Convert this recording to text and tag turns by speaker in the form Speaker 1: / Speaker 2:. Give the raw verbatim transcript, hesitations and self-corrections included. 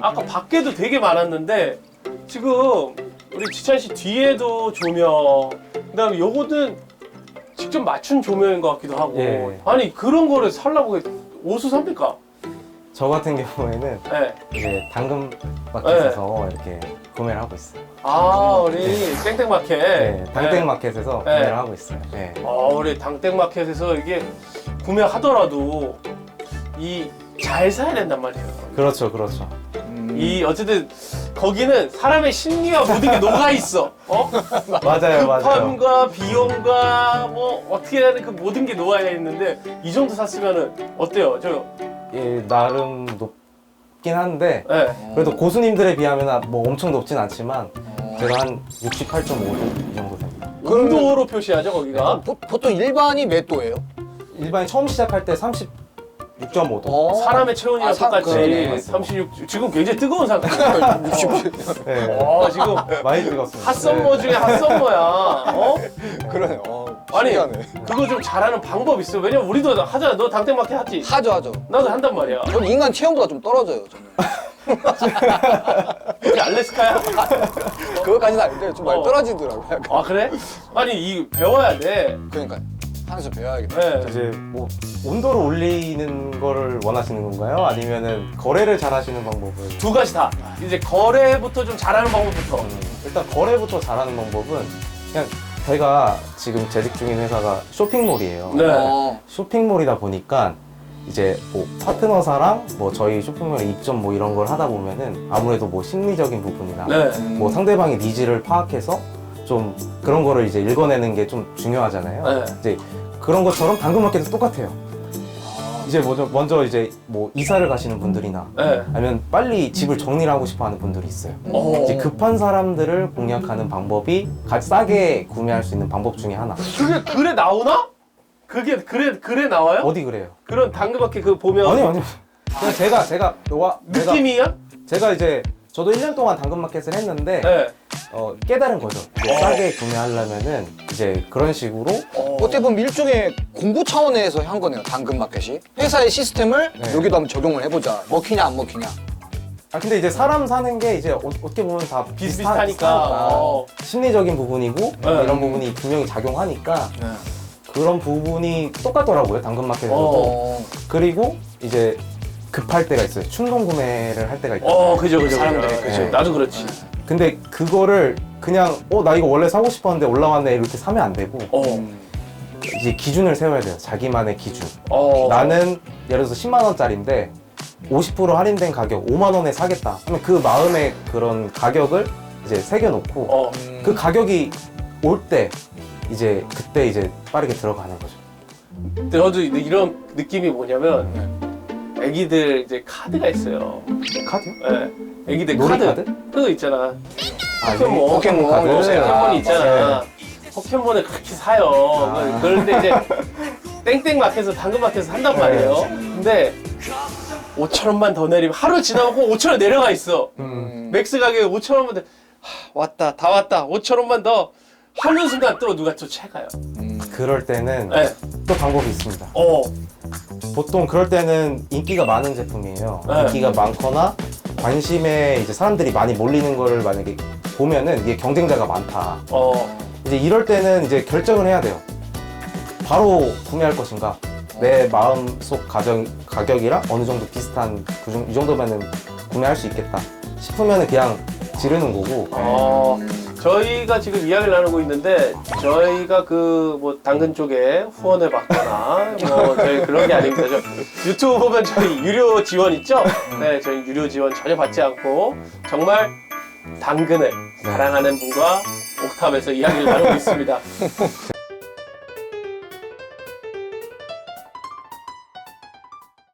Speaker 1: 아까 밖에도 되게 많았는데 지금 우리 지찬 씨 뒤에도 조명, 그다음에 요거는 직접 맞춘 조명인 것 같기도 하고.
Speaker 2: 예.
Speaker 1: 아니 그런 거를 살라고 오수삽니까?
Speaker 2: 저 같은 경우에는
Speaker 1: 네.
Speaker 2: 이제 당근마켓에서 이렇게 구매를 하고 있어요.
Speaker 1: 아 우리 땡땡마켓.
Speaker 2: 네, 당땡마켓에서
Speaker 1: 네.
Speaker 2: 구매를 하고 있어요. 네.
Speaker 1: 아 우리 당땡마켓에서 이게 구매하더라도 이 잘 사야 된단 말이에요.
Speaker 2: 그렇죠, 그렇죠.
Speaker 1: 이 어쨌든 거기는 사람의 심리와 모든 게 녹아 있어. 어?
Speaker 2: 맞아요, 맞아요.
Speaker 1: 급함과 비용과 뭐 어떻게 하는 그 모든 게 녹아 있는데 이 정도 샀으면은 어때요? 저
Speaker 2: 예, 나름 높긴 한데
Speaker 1: 예.
Speaker 2: 그래도 고수님들에 비하면 뭐 엄청 높진 않지만 제가 한 육십팔 점 오 도 이 정도 됩니다.
Speaker 1: 온도로 표시하죠 거기가.
Speaker 3: 보, 보통 일반이 몇 도예요?
Speaker 2: 일반인 처음 시작할 때 삼십육 점 오 도.
Speaker 3: 어.
Speaker 1: 사람의 체온이랑
Speaker 3: 아, 사-
Speaker 1: 똑같이
Speaker 3: 그러네.
Speaker 1: 삼십육. 지금 굉장히 뜨거운 상태예요.
Speaker 2: 네.
Speaker 1: 어 지금
Speaker 2: 많이 뜨겁습니다.
Speaker 1: 핫썸머 중에 핫썸머야. 어?
Speaker 3: 그러네. 어,
Speaker 1: 아니
Speaker 3: 신기하네.
Speaker 1: 그거 좀 잘하는 방법 있어. 왜냐면 우리도 하잖아. 너 당땡마켓 하지?
Speaker 3: 하죠, 하죠.
Speaker 1: 나도 한단 말이야.
Speaker 3: 전 인간 체온보다 좀 떨어져요, 저는.
Speaker 1: 이게 알래스카야?
Speaker 3: 그것까지는 아닌데 좀 많이
Speaker 1: 어.
Speaker 3: 떨어지더라고요. 약간.
Speaker 1: 아 그래? 아니 이 배워야 돼.
Speaker 3: 그러니까 하나씩 배워야겠다.
Speaker 1: 네.
Speaker 2: 이제 뭐 온도를 올리는 거를 원하시는 건가요? 아니면은 거래를 잘 하시는 방법을?
Speaker 1: 두 가지 다. 이제 거래부터 좀 잘하는 방법부터.
Speaker 2: 음, 일단 거래부터 잘하는 방법은 그냥 제가 지금 재직 중인 회사가 쇼핑몰이에요.
Speaker 1: 네.
Speaker 3: 어.
Speaker 2: 쇼핑몰이다 보니까 이제 뭐 파트너사랑 뭐 저희 쇼핑몰에 입점 뭐 이런 걸 하다 보면은 아무래도 뭐 심리적인 부분이나
Speaker 1: 네.
Speaker 2: 뭐 상대방의 니즈를 파악해서 좀 그런 거를 이제 읽어내는 게 좀 중요하잖아요.
Speaker 1: 네.
Speaker 2: 이제 그런 것처럼 당근마켓도 똑같아요. 이제 먼저, 먼저 이제 뭐 이사를 가시는 분들이나
Speaker 1: 네.
Speaker 2: 아니면 빨리 집을 정리를 하고 싶어 하는 분들이 있어요.
Speaker 1: 어.
Speaker 2: 이제 급한 사람들을 공략하는 방법이 가 싸게 구매할 수 있는 방법 중에 하나.
Speaker 1: 그게 글에 나오나? 그게 글에 글에 나와요?
Speaker 2: 어디 그래요?
Speaker 1: 그런 당근마켓 그 보면
Speaker 2: 아니요, 아니요. 그냥 제가, 제가, 와, 제가,
Speaker 1: 느낌이야?
Speaker 2: 제가 이제 저도 일 년 동안 당근마켓을 했는데
Speaker 1: 네.
Speaker 2: 어, 깨달은 거죠. 이제 싸게 구매하려면은 이제 그런 식으로
Speaker 1: 어.
Speaker 3: 어떻게 보면 일종의 공부 차원에서 한 거네요, 당근마켓이. 회사의 시스템을
Speaker 2: 네.
Speaker 3: 여기도 한번 적용을 해보자. 먹히냐 안 먹히냐.
Speaker 2: 아 근데 이제 사람 사는 게 이제 어, 어떻게 보면 다 비슷하-
Speaker 1: 비슷비슷하니까.
Speaker 2: 비슷하니까
Speaker 1: 어.
Speaker 2: 심리적인 부분이고
Speaker 1: 네.
Speaker 2: 이런 부분이 분명히 작용하니까
Speaker 3: 네.
Speaker 2: 그런 부분이 똑같더라고요 당근마켓에서도.
Speaker 3: 어.
Speaker 2: 그리고 이제 급할 때가 있어요. 충동 구매를 할 때가 있어요.
Speaker 1: 어, 그죠, 그죠.
Speaker 3: 사람들이,
Speaker 1: 그죠.
Speaker 3: 그죠.
Speaker 1: 나도 그렇지.
Speaker 2: 근데 그거를 그냥 어 나 이거 원래 사고 싶었는데 올라왔네 이렇게 사면 안 되고
Speaker 1: 어.
Speaker 2: 이제 기준을 세워야 돼요. 자기만의 기준.
Speaker 1: 어.
Speaker 2: 나는 예를 들어서 십만 원짜리인데 오십 퍼센트 할인된 가격 오만 원에 사겠다 하면 그 마음의 그런 가격을 이제 새겨놓고
Speaker 1: 어.
Speaker 2: 그 가격이 올 때 이제 그때 이제 빠르게 들어가는 거죠.
Speaker 1: 근데 저도 이런 느낌이 뭐냐면 애기들 이제 카드가 있어요.
Speaker 2: 카드요?
Speaker 1: 예. 애기들
Speaker 2: 놀이
Speaker 1: 카드.
Speaker 2: 카드?
Speaker 1: 그거 있잖아.
Speaker 2: 아,
Speaker 1: 포켓몬.
Speaker 3: 포켓몬
Speaker 2: 카드.
Speaker 1: 포켓몬이
Speaker 2: 아,
Speaker 1: 있잖아. 포켓몬을 그렇게 사요.
Speaker 2: 아.
Speaker 1: 그런데 이제 땡땡마켓에서 당근마켓에서 한단 말이에요. 근데 오천 원만 더 내리면 하루 지나고 오천 원 내려가 있어.
Speaker 2: 음.
Speaker 1: 맥스 가격이 오천 원만 더. 하, 왔다 다 왔다 오천 원만 더 하는 순간 또 누가 또 채가요.
Speaker 2: 그럴 때는
Speaker 1: 네.
Speaker 2: 또 방법이 있습니다.
Speaker 1: 어.
Speaker 2: 보통 그럴 때는 인기가 많은 제품이에요.
Speaker 1: 네.
Speaker 2: 인기가 많거나 관심에 이제 사람들이 많이 몰리는 거를 만약에 보면은 이게 경쟁자가 많다.
Speaker 1: 어.
Speaker 2: 이제 이럴 때는 이제 결정을 해야 돼요. 바로 구매할 것인가? 내 마음속 가격, 가격이랑 어느 정도 비슷한 그 정- 이 정도면은 구매할 수 있겠다 싶으면은 그냥 지르는 거고.
Speaker 1: 어. 저희가 지금 이야기를 나누고 있는데 저희가 그 뭐 당근 쪽에 후원을 받거나 뭐 저희 그런 게 아닙니다. 저 유튜브 보면 저희 유료 지원 있죠? 네, 저희 유료 지원 전혀 받지 않고 정말 당근을 사랑하는 분과 옥탑에서 이야기를 나누고 있습니다.